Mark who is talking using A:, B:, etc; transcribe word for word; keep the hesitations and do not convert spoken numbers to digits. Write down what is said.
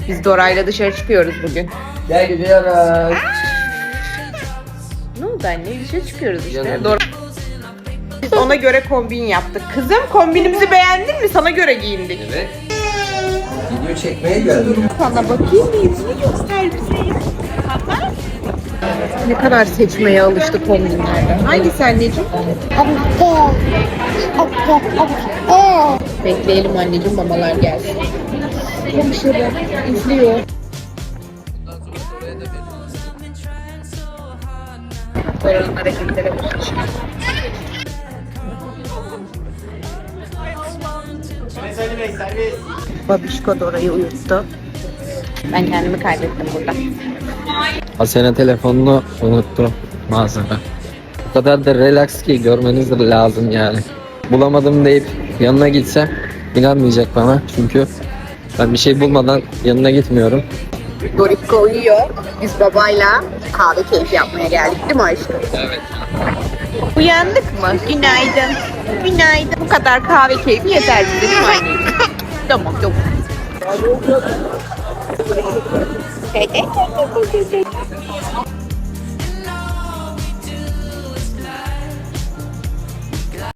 A: Biz Dora'yla dışarı çıkıyoruz bugün.
B: Gel gidiyoruz.
A: Ne oldu anne? Dışarı çıkıyoruz işte.
B: Canım.
A: Dora... Biz ona göre kombin yaptık. Kızım kombinimizi beğendin mi? Sana göre giyindik.
B: Evet. Video çekmeye geldim.
A: Sana bakayım bir yüzünü göster bize. Ne kadar seçmeye alıştı kombinlerden. Hangisi anneciğim? Bekleyelim anneciğim, mamalar gelsin. Konuşalım. İzliyor. Dora'nın hareketlere bakın. Babişko Dora'yı uyuttu. Ben kendimi kaybettim burada.
B: Asena telefonunu unuttu mağazada. O kadar da relax ki görmeniz de lazım yani. Bulamadım deyip yanına gitsem inanmayacak bana çünkü ben bir şey bulmadan yanına gitmiyorum.
A: Dorikko uyuyor. Biz babayla kahve keyfi yapmaya geldik değil mi aşkım?
B: Evet.
A: Uyandık mı? Günaydın. Günaydın. Bu kadar kahve keyfi yeter bize değil mi anneciğim? Tamam tamam.